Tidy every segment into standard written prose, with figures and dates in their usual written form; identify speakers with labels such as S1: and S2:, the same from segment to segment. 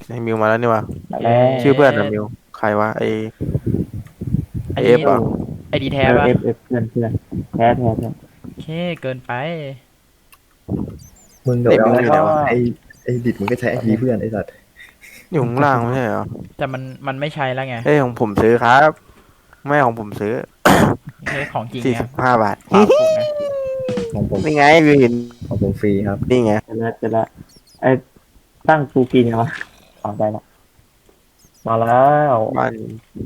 S1: ไอ้มิวมาแล้วนี่วะ
S2: มาแล้
S1: ชื่อเพื่อนอะ
S2: ว
S1: มิวใครวะไอ
S2: อันนี้
S1: เอฟอ่ะ
S2: ไอดีแท้ปะ
S3: เอฟเพื่อนแท้
S2: โอเคเกินไป
S4: มึงกับ
S1: ไอมิว
S4: เรา
S1: อยู่ไหนวะ
S4: ไอ้ดิดมึงก็ใช้ไอดีเพื่อนไอ้สัตว์
S1: อยู่ข้างล่างไม่ใช่เหรอ
S2: แต่มันไม่ใช่แล้วไง
S1: เอ้ยของผมซื้อครับไม่ของผมซื้อ
S2: ไม่ใช่ของจริงไง
S1: 45 บาท
S2: ฝากผมไง
S4: ของผม
S1: นี่ไงวิวเห็น
S4: ของผมฟรีครับ
S1: นี่ไง
S3: เจอแล้วไอ้ตั้งฟูกินไงวะได้แล้วมาแล้ว
S1: บ้าน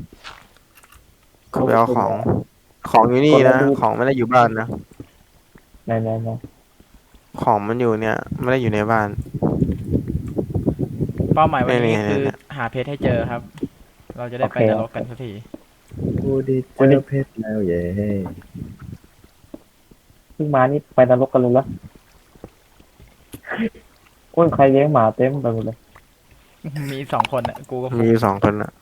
S1: เขาไปเอาของอยู่นี่นะของไม่ได้อยู่บ้านนะ
S3: ไหน
S1: ของมันอยู่เนี่ยไม่ได้อยู่ในบ้าน
S2: เป้าหมายวันนี้
S1: นี่
S2: คือ
S1: เนี่ย
S2: หาเพชรให้เจอครับ เราจะได้ไปนรกกันสักที
S4: กูได้เจอเพชรแล้วเย้
S3: เพิ่งมานี่ไปนรกกันเลยละโอ้ยใครเลี้ยงหมาเต็มไปหมดเลย
S2: มี2 คนอ่ะกูกับฟุ
S1: มี
S2: ก
S1: อยู่2 คนอะ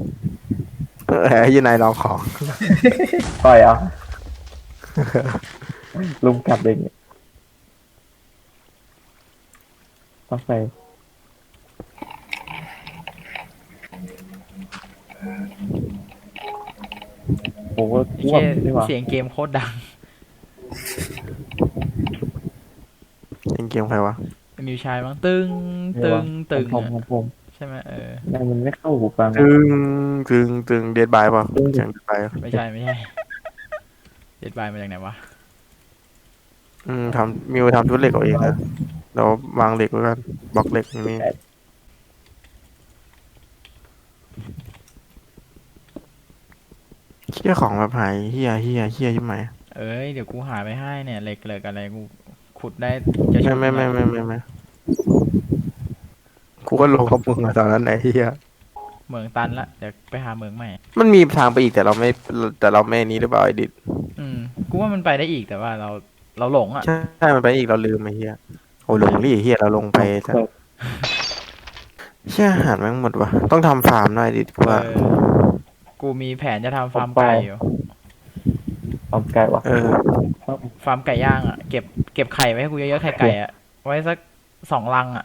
S1: ยี่นายลองของ
S3: ต่อยอ่ะลุมกัดเองเนี่ยต้องใส่โอ้โหอ้วกนี่หว่า
S2: เสียงเกมโคตรดัง
S1: เล่นเกมใครวะ
S2: มิวชายมั้งตึงตึงตึง
S3: ผม
S2: อะ
S3: ผม
S2: ใช่ไหม
S3: มันไม่เข้าหูฟัง
S1: ตึงเดดบายเปล่าเสียงเดดบาย
S2: ไม่ใช่เด็ดบายมาจากไหนวะ
S1: มิวทำชุดเหล็กเอาเองนะเราวางเหล็กไว้กันบล็อกเหล็กอย่างนี้เชี่ยของแบบหายเฮียใช่ไหม
S2: เดี๋ยวกูหาไปให้เนี่ยเหล็กอะไรกูขุดได้จะชุบ
S1: ไม่กูก็ลงกับมึงอะตอนนั้นไอ้เฮีย
S2: เหมืองตันละเดี๋ยวไปหาเหมืองใหม่
S1: มันมีทางไปอีกแต่เราไม่นี้หรือเปล่าไอ้ดิด
S2: กูว่ามันไปได้อีกแต่ว่าเราหลงอ่ะ
S1: ใช่มันไปอีกเราลืมไอ้เฮียโอ้หลงดิเฮียเราลงไปซะเชี่ยอาหารแม่งหมดวะต้องทำฟาร์มหน่อยดิกูว่า
S2: กูมีแผนจะทำฟาร์มไก่อยู่
S3: ความไกลว่ะ
S2: ฟาร์มไก่ย่างอ่ะเก็บไข่ไว้ให้กูเยอะๆไก่อ่ะไว้สัก2 รังอ่ะ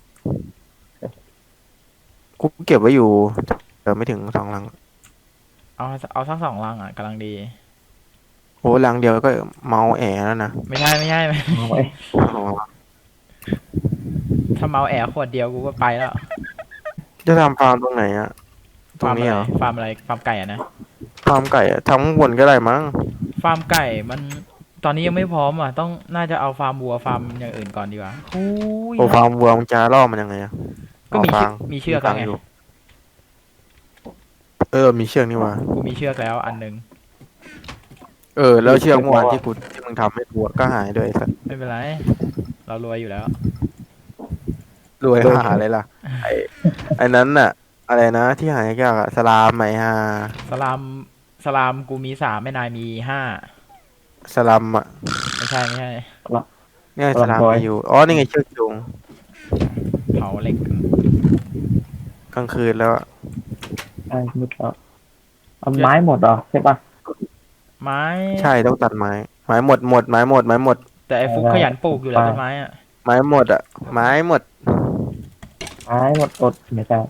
S1: กูเก็บไว้อยู่แต่ไม่ถึง2 ลัง
S2: เอาสัก2 รังอ่ะกำลังดี
S1: โอ้ลังเดียวก็เมาแอแล้วนะ
S2: ไม่ใช่
S3: เอาไว้
S1: อ๋อ
S2: ถ้าเมาแอร์ขวดเดียวกูก็ไปแล้ว
S1: จะทำฟาร์มตรงไหนอะตรงนี้เหรอ
S2: ฟาร์มอะไรฟาร์มไก่อ่ะนะ
S1: ฟาร์มไก่อะทำข้างบนก็ได้มั้ง
S2: ฟาร์มไก่มันตอนนี้ยังไม่พร้อมอ่ะน่าจะเอาฟาร์มวัวฟาร์มอย่างอื่นก่อนดีกว่าโอ้ย
S1: โอ้ฟาร์มวัวมันจะล่อมันยังไงอะ
S2: ก็มีเชือกแล้วไง
S1: อยู่มีเชือกนี่วะ
S2: กูมีเชือกแล้วอันหนึง
S1: แล้วเชือกเมื่อวานที่มึงทำให้วัวก็หายด้วยไอ้สัส
S2: ไม่เป็นไร เรารวยอยู่แล้ว
S1: รวยหาอะไรล่ะไอ้นั้นน่ะ อะไรนะที่หายยากอะสลามไหมฮะ
S2: สลามกูมี3แม่นายมี5
S1: สลัมอะ
S2: ไม่ใช่
S1: เนี่ยสลามมีอยู่อ๋อนี่ไงเชือกจูง
S2: เผาเหล็ก
S1: กลางคืนแล้วอะ
S3: ไอ้มุดแล้วเอาไม้หมดเหรอใช่ปะ
S2: ไม้
S1: ใช่ต้องตัดไม้หมดไม้หมด
S2: แต่ไอ้ฟุกขยันปลูกอยู่แล้วต้นไม้อ่ะ
S1: ไม้หมดอะไม้หมด
S3: ไม้หมดอดไม่ใช่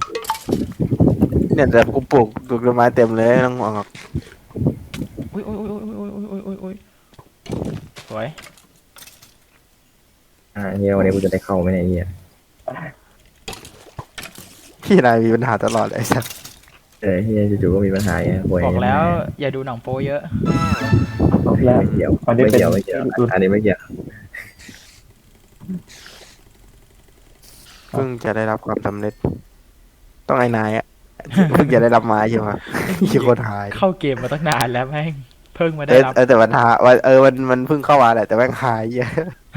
S1: เนี่ยแต่กูปลูกต้นไม้เต็มเลยไม่ต้องห่วงหรอก
S2: อุ้ยสวย
S4: เฮียวันนี้กูจะได้เข้าไหมเนี่ยเฮีย
S1: พี่นายมีปัญหาตลอดเลยไอ้สัส
S4: เฮียจู่ๆก็มีปัญหาไงป่วย
S2: บอกแล้วอย่าดูหนังโป๊เยอะ
S3: แล้ว
S4: ไม่เกี่ยว
S3: อันนี้
S4: ไม่
S3: เป็น
S4: เกี่ยวอันนี้ไม่เกี่ยว
S1: เพิ่งจะได้รับความสำเร็จ ต้องไอ้นายอะเพิ่งจะได้รับไม้ใช่ไหมยี่คนหาย
S2: เข้าเกมมาตั้งนานแล้วแม่งเพิ่งมาได้รับ
S1: แต่ปัญหาว่ามันเพิ่งเข้ามาแหละแต่แม่งหายเยอะ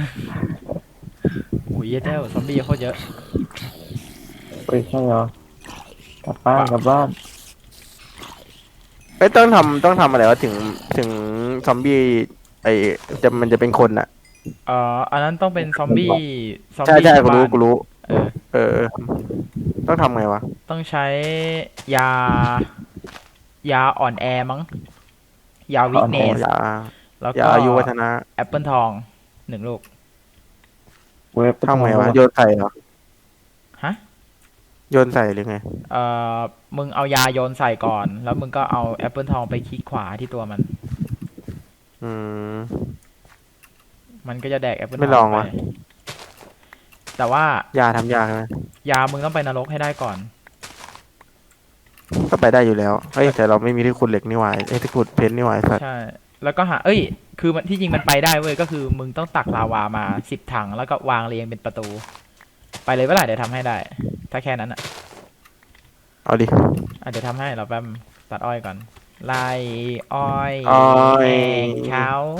S2: อุ้ยเจ้าซอมบี้โคตรเยอะ
S3: เฮ้ยใช่เหรอกลับบ้าน
S1: ไม่ต้องทำอะไรวะถึงซอมบี้มันจะเป็นคนอะ
S2: อันนั้นต้องเป็นซอมบี้
S1: ใช่กู
S2: บ้าน
S1: รู้
S2: เออ
S1: ต้องทำไงวะ
S2: ต้องใช้ยาอ่อนแอมั้ง ยาวิกเนส
S1: อย่า
S2: แล้ว
S1: อย่า
S2: ก็
S1: อายุวัฒนะ
S2: แอปเปิลทอง1 ลูก
S3: เว็บ
S1: ทำไงวะโยนใส่เหรอ
S2: ฮะ
S1: โยนใส่หรือไง
S2: เอ่อมึงเอายาโยนใส่ก่อน แล้วมึงก็เอาแอปเปิลทองไปคลิกขวาที่ตัวมัน
S1: อืม
S2: มันก็จะแดกแอปเปิลท
S1: ไม่ล
S2: อ
S1: อง ง
S2: ไป
S1: วะ
S2: แต่ว่าย
S1: าทำยากไหม
S2: ยามึงต้องไปนรกให้ได้ก่อน
S1: ก็ไปได้อยู่แล้วเฮ้ยแต่เราไม่มีที่ขุดเหล็กนี่หว่าไอ้ที่ขุดเพชรนี่หว่าไอ้สัตว์
S2: ใช่ แล้วก็คือมันที่จริงมันไปได้เว้ย ก็คือมึงต้องตักลาวามา10 ถัง แล้วก็วางเรียงเป็นประตู ไปเลยเวลาเดี๋ยวทำให้ได้ ถ้าแค่นั้นอ่ะ
S1: เอาดิ
S2: เดี๋ยวทำให้เราแป๊บตัดอ้อยก่อน ไล่อ้อย
S1: อ้อย
S2: แหงเขา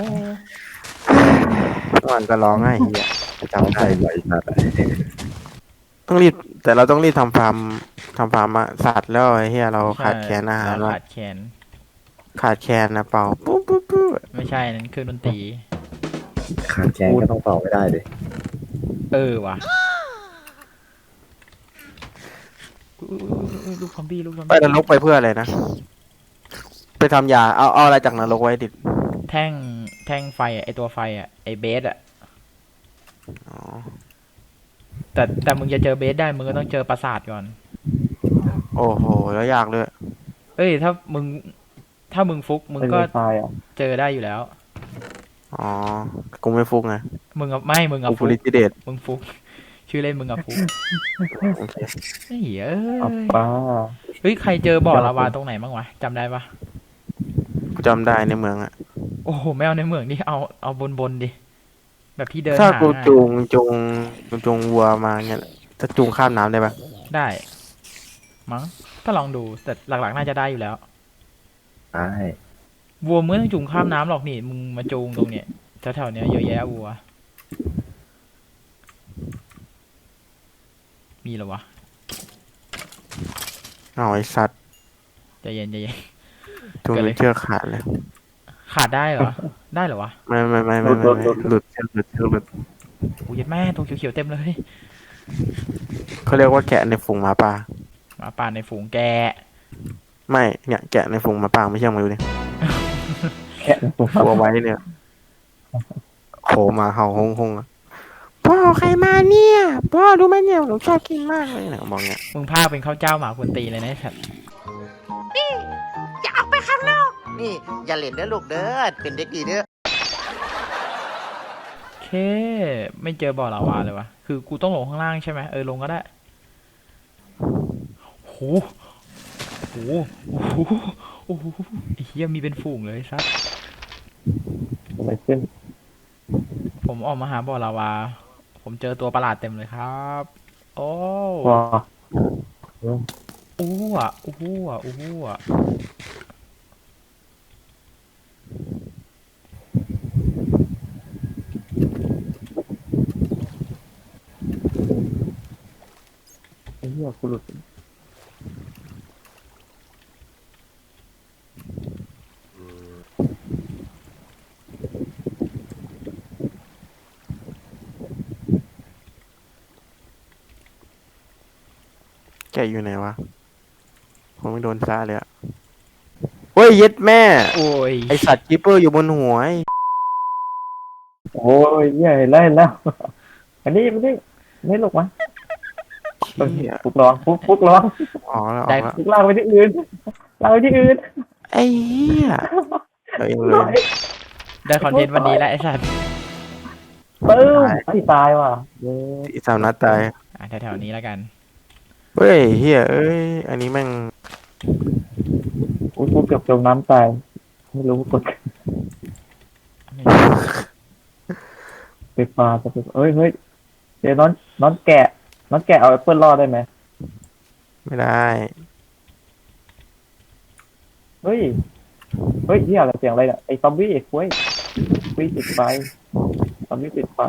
S1: มันก็ร้องไห้เฮียจำได้
S4: ใช่ไหวสัตว์
S1: ต้องรีบแต่เราต้องรีบทำฟาร์มอะสัตว์แล้วไอ้เฮียเราขาดแคลนอาหาร
S2: เรา
S1: ว่ะ
S2: ขาดแคลน
S1: ขาดแคลนนะเปล่าปุ๊บปุ๊บปุ๊บ
S2: ไม่ใช่นั่นคือดนตรี
S4: ขาดแคลนก็ต้องเป่าไม่ได้เลย
S2: ว่ะอุ๊ยลูกซอมบี้ลูกซอม
S1: ไป
S2: บี้
S1: นรกไปเพื่ออะไรนะไปทำยาเอาอะไรจากนรกไว้ดิ
S2: แท่งไฟอะไอตัวไฟอะไอเบสอะ
S1: อ๋อ
S2: แต่มึงจะเจอเบสได้มึงก็ต้องเจอปราสาทก่อน
S1: โอ้โหแล้วยากเลย
S2: ถ้ามึงฟุกมึง
S3: เป็น
S2: ก็
S3: ไฟอ่ะ
S2: เจอได้อยู่แล้ว
S1: อ๋อกูไม่ฟุกไง
S2: มึงอะ
S1: กู
S2: ฟุ
S1: ฟู
S2: ก
S1: ลิติเดต
S2: มึงฟุก ชื่อเล่นมึงอะฟุก
S1: โอเค
S2: ไอ้เหี้ย
S3: อัปป้า
S2: ใครเจอบ่อลาวาตรงไหนบ้างวะจำได้ปะ
S1: กูจำได้ในเมืองอะ
S2: โอ้โหไม่เอาในเมืองดิเอาบนดิแบบที่เดิน
S1: ถ้า
S2: หา
S1: กู
S2: ง่าย
S1: จูงวัวมาเงี้ยถ้าจูงข้ามน้ำได้ปะ
S2: ได้ มั้งก็ลองดูแต่หลักๆน่าจะได้อยู่แล้ว
S4: ใช่
S2: วัวมึงไม่ต้องจูงข้ามน้ำหรอกนี่มึงมาจูงตรงเนี้ยแถวๆเนี้ยเยอะแยะวัว มีเหรอวะ
S1: เอาไอ้สัตว์
S2: ใจเย็น
S1: จูง
S2: เกิดอะไร
S1: เชือกขาดเลย
S2: ขาดได้เหรอ ได้เหรอวะ
S1: ไม่หลุดเชือกหลุด
S2: โอ้ยดแม่ตัวเขียวๆเต็มเลย
S1: เขาเรียกว่าแกะในฝูงหมาป่า
S2: หมาป่าในฝูงแก
S1: ไม่เนี่ยแกะในฝูงหมาป่าไม่เชื่อมาดูดิ
S3: แค่ตัว
S1: ตัวไว้เนี่ยโผล่มาเห่าฮงๆอะพ่อใครมาเนี่ยพ่อดูไหมเนี่ยหนูชอบกินมากเลยเนี่ยบอกเนี่ย
S2: มึงพาเป็นข้าวเจ้าหมาคนตีเลยนะไอ้สัตว์
S5: อย่าออกไปข้างนอก นี่ อย่าเล่นเด้อลูกเด้อ เป็นเด็กดีเด้อ
S2: โอเค ไม่เจอบ่อลาวาเลยวะคือกูต้องลงข้างล่างใช่ไหมลงก็ได้โหโหโอ้โหไอ้เหี้ยมีเป็นฝูงเลยซัด
S3: อะไรขึ้น
S2: ผมออกมาหาบ่อลาวา ผมเจอตัวประหลาดเต็มเลยครับ โอ้
S3: ว้า
S2: อู้อ่ะอู้อ่ะอู้อ่ะ
S3: ไอ้เหี้ยกูหลุด
S1: แกะอยู่ไหนวะผมไม่โดนซ่าเลยอะเฮ้ยเย็ดแม่
S2: โอ้ย
S1: ไอสัตว์กิปเปอร์อยู่บนหัวไอ้
S3: โอ้ยเหี้ยเห็นแล้วอันนี้ไม่หลกวะ
S1: เหี้ย
S3: ฟุกร้องฟุกร้อง
S1: อ๋อแล้วออกแล้ว
S3: ฟุกลากไปที่อื่นลากไปที่อื่น
S1: ไอ้เหี้ยเอาเองเลย
S2: ได้คอนเทนต์วันนี้แล้วไอ้สัตว์
S3: ปึ้มไอ้ตายว่ะเย้
S1: อีสามนัดตาย
S2: แถวๆนี้แล้วกัน
S1: เฮ้ยเฮียเอ้ยอันนี้แม่ง
S3: อุ้ยกูเกือบจมน้ำตายไม่รู้กดไปปลาจะไปเฮ้ยเดี๋ยวน้อนแกะเอาแอปเปิลรอดได้ไหม
S1: ไม่ได้
S3: เฮ้ยเหี้ยอะไรเสียงอะไรเนี่ยไอ้ซอมบี้ไอ้คุ้ยติดไฟซอมบี้ติดไฟ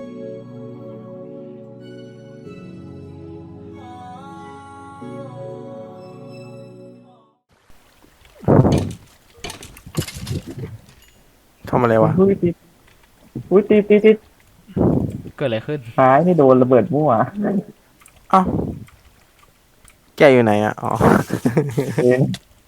S1: ทำอะไรวะ
S3: อุ้ยติดติด
S2: เกิดอะไรขึ้น
S3: หายไม่โดนระเบิดมั่ว
S1: เอ้าแกอยู่ไหนอ่ะอ๋อ
S3: เอง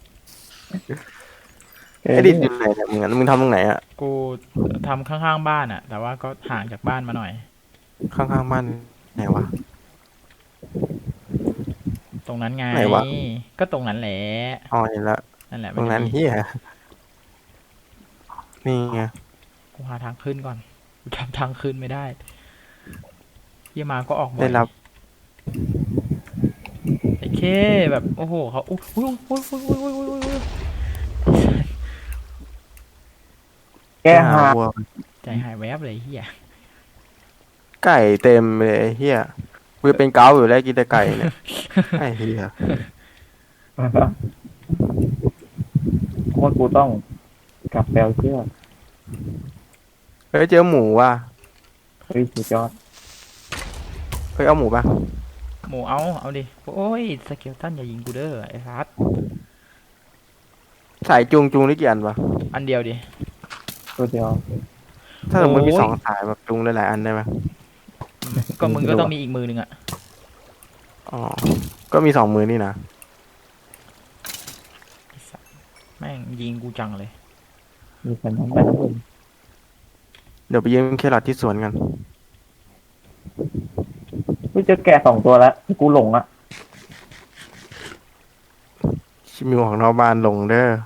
S1: ไอ้ดิดอยู่ไหนเนี่ยมึงทำตรงไหนอ่ะ
S2: กูทำข้างๆบ้านอะแต่ว่าก็ห่างจากบ้านมาหน่อย
S1: ข้างๆบ้านไหนวะ
S2: ตรงนั้นไง
S1: ไหนวะ
S2: ก็ตรงนั้นแหละ
S1: อ๋อเห็นละ
S2: นั่นแหละ
S1: ตรงนั้น
S2: มัจะมี
S1: เฮียนี่ไง
S2: กูหาทางขึ้นก่อนกูจำทางขึ้นไม่ได้เฮียมาก็ออกบ่อ
S1: ได้
S2: ย
S1: รับ
S2: ไอ้เคแบบโอ้โหเขาอุ้ยอุ้ยอุ้ยอุ้ยอุ้ยอุ้ยอุ้ยอุ้ย
S3: แกหา
S1: วัว
S2: ใจหายแวบเลยเฮีย
S1: ไก่เต็มเลยไอ้เฮียกูจะเป็นเกาอยู่แล้วกินแต่ไก่เนี่ยไอ้เฮีย
S3: ว่ากูต้องกลับแปลเชือก
S1: เฮ้ยเจอหมูว่ะ
S3: เฮ้ยสุดยอด
S1: เฮ้ยเอาหมูป่ะ
S2: หมูเอาดิโอ้ยสเกลตันอย่ายิงกูเด้อไอ้ซัด
S1: สายจุงได้กี่อันวะ
S2: อันเดียวดิ
S3: ตัวเดียว
S1: ถ้าสมมติมี
S2: โอ้ย
S1: สองสายแบบจุงหลายๆอันได้ไหม
S2: ก็มึงก็ต้องมีอีกมือหนึ่งอะ
S1: อ๋อก็มีสองมือนี่นะ
S2: ไอ้สัสแม่งยิงกูจังเลย
S3: มีสัญญาณแบบนี้
S1: เดี๋ยวไปยืมแครอทที่สวนกัน
S3: กูเจอแกะ2 ตัวแล้วกูหลงอ่ะ
S1: ชิมิวของนอกบ้านลงเด้อ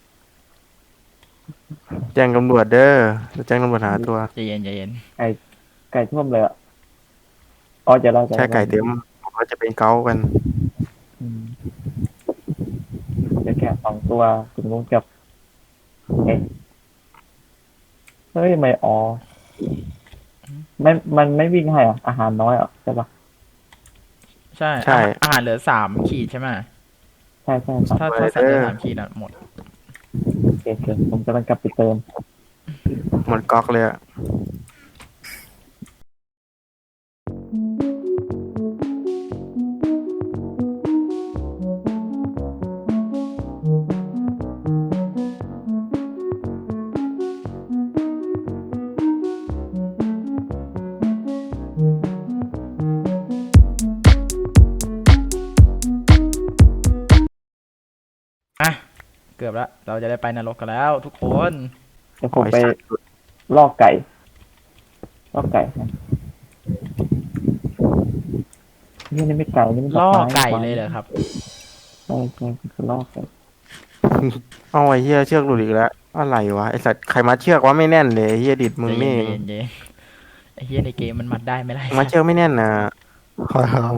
S1: แจ้งตำรวจเด้อจะแจ้งตำรวจหาตัว
S2: ใจเย็นใจเย็น
S3: ไก่ท่วมเลยอ่ะอ๋อจะเล่า
S1: แค่ไก่เต็มเราจะเป็นเกากัน
S3: อืมเจอแกะ2 ตัวคุณลุงกับเอ๊ะเฮ้ยไม่อ๋อมันไม่วิ่งให้อ่ะอาหารน้อยอ่ะใช่ปะ
S2: ใช่
S1: ใช่
S2: อาหารเหลือ3 ขีดใช่ไหม
S3: ใช่ครับ
S2: ถ้าสัตว์เหลือ3 ขีดอะหมด
S3: โอเคผมกำลังกลับไปเติม
S1: หมดก๊อกเลยอะ
S2: อ่ะเกือบแล้วเราจะได้ไปนรกกันแล้วทุกคน
S3: เดี๋ยวผมไปลอกไก่นะนี่ไม่ไก่นี่มัน
S2: ล่อ
S3: ดม้
S2: ไก่เลยเหรอครับ
S3: ใช่คือลอกไก่
S1: เอาไอ้เฮียเชือกหลุดอีกแล้วอะไรวะไอสัตว์ใครมัดเชือกวะไม่แน่นเลยไอ้เฮียดิดมึง
S2: ใจ
S1: นี่
S2: เย็
S1: เอน ง
S2: ใจเย็นใจเย็นไอ้เฮียในเกมมันมัดได้ไหมล่ะ
S1: มัดเชือกไม่แน่นนะขอเอา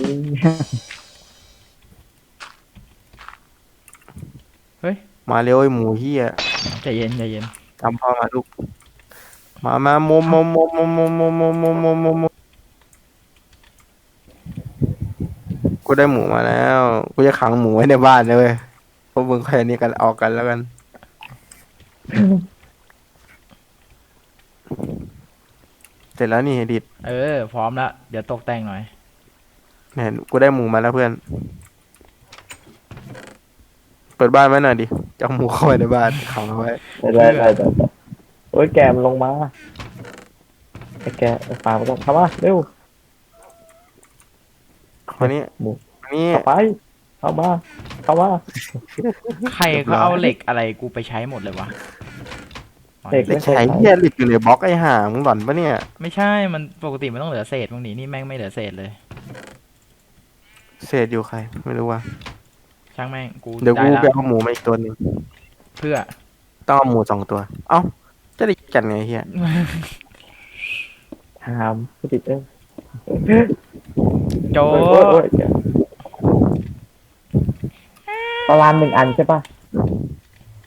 S1: มาเร็วไอ้หมูเฮีย
S2: ใจเย็นใจเย็น
S1: จำพ่อมาลูกมาโมโมโมโมโมโมโมโมโมโมโมกูได้หมูมาแล้วกูจะขังหมูไว้ในบ้านเลยเว้ยพวกมึงใครนี่กันออกกันแล้วกัน เสร็จแล้วนี่ดิด
S2: พร้อมแล้วเดี๋ยวตกแต่งหน่อย
S1: เห็นกูได้หมูมาแล้วเพื่อน เปิดบ้านไว้หน่อยดิจะเอาหมูเข้าไปในบ้านขังเอาไว้
S3: ได้โอ้ยแกมันลงมาไอ้แกไอ้ปลามันต้องเข้ามาเร็ว
S1: วันนี้
S3: หมู
S1: วันนี้
S3: เข้าไปเข้ามาเข้ามา
S2: ใครเขาเอาเหล็กอะไรกูไปใช้หมดเลยวะ
S3: เหล็ก
S1: เล็กใช้เฮียหลิกอยู่ในบล็อกไอ้ห่ามึงหล่อนปะเนี่ย
S2: ไม่ใช่มันปกติมันต้องเหลือเศษบางทีนี่แม่งไม่เหลือเศษเลย
S1: เศษอยู่ใคร ไม่รู้ว่า
S2: ช่างแม่งกู
S1: เดี๋ยว
S2: ได้
S1: กู
S2: ละ
S1: ไปเอาหมูมาอีกตัวหนึ่ง
S2: เพื่อ
S1: ต้องเอาหมู2 ตัว เอ้าจะได้กันไงเฮีย
S3: ถามผู้ติด
S2: โจ
S3: โอ้ยปลาลาน1 อันใช่ปะ